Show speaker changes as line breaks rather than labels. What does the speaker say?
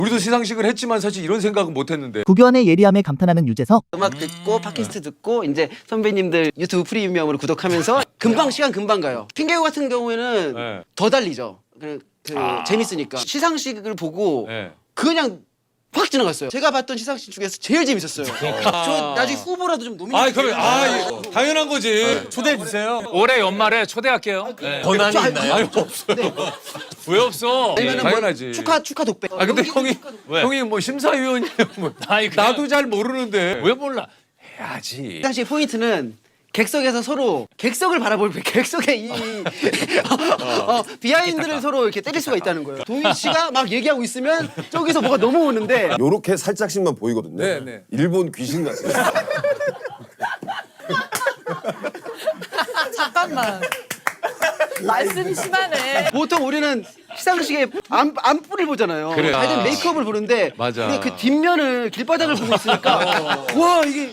우리도 시상식을 했지만 사실 이런 생각은 못했는데.
구견의 예리함에 감탄하는 유재석.
음악 듣고 팟캐스트 듣고 이제 선배님들 유튜브 프리미엄으로 구독하면서 금방 시간 금방 가요. 핑계고 같은 경우에는
네.
더 달리죠. 재밌으니까 시상식을 보고
네.
그냥 확 지나갔어요. 제가 봤던 시상식 중에서 제일 재밌었어요. 저 나중에 후보라도 좀 노미네이트.
그럼 당연한 거지. 초대해 주세요.
올해 연말에 초대할게요. 네.
권한이 있나요?
아니 없어요.
왜 없어?
아니면은
당연하지.
뭐 축하 독백.
근데
왜?
형이 뭐 심사위원이에요. 뭐.
아니, 그냥-
나도 잘 모르는데.
왜 몰라?
해야지.
시상식 포인트는 객석에서 서로 객석을 바라볼 객석의 비하인드를 서로 이렇게 때릴 수가 있다는 거예요. 도희 씨가 막 얘기하고 있으면 저기서 뭐가 넘어오는데
요렇게 살짝씩만 보이거든요.
네.
일본 귀신 같아요.
잠깐만. 말씀이 심하네.
보통 우리는 시상식에 안부를 보잖아요.
그래.
하여튼 메이크업을 보는데
맞아.
근데 그 뒷면을 길바닥을 보고 있으니까 와 이게